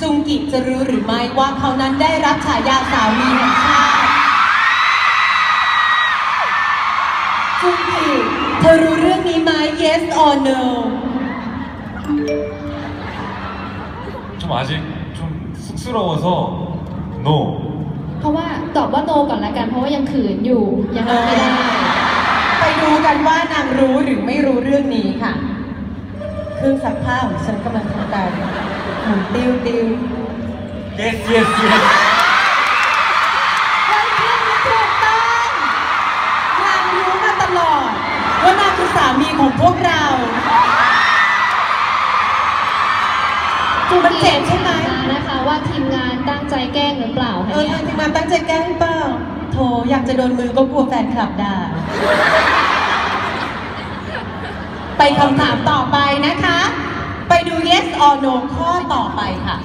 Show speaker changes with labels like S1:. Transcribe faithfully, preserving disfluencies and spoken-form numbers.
S1: จุงกิจะรู้หรือไม่ว่าเขานั้นได้รับฉายาสามีแห่งชาติจุงกิเธอรู้เรื่องนี้ไหม yes or no
S2: 좀 아직 좀 쑥스러워서 no
S3: เพราะว่าตอบว่าโนก่อนละกันเพราะว่ายังขืนอยู่ยังรับไม่ได้
S1: ไปดูกันว่านางรู้หรือไม่รู้เรื่องนี้ค่ะเครื่องซักผ้าของฉันกำลังทำการหมุนติ้วติ้ว
S2: yes yes yes
S1: เฮ้ยเรื่องนี้ถูกต้องนางรู้มาตลอดว่านางคือสามีของพวกเรา
S3: จุง
S1: มัน
S3: กี
S1: เจ็บใช่ไหม
S3: นะคะว่าทีมงานตั้งใจแกล้งหรือเปล่า
S1: เอ
S3: คะ
S1: อ
S3: เนี่ย
S1: ทางทีมงานตั้งใจแกล้งเปล่าโถอยากจะโดนมือก็กลัวแฟนคลับด่าไปคำถามต่อไปนะคะ ไปดู yes or no ข้อต่อไปค่ะ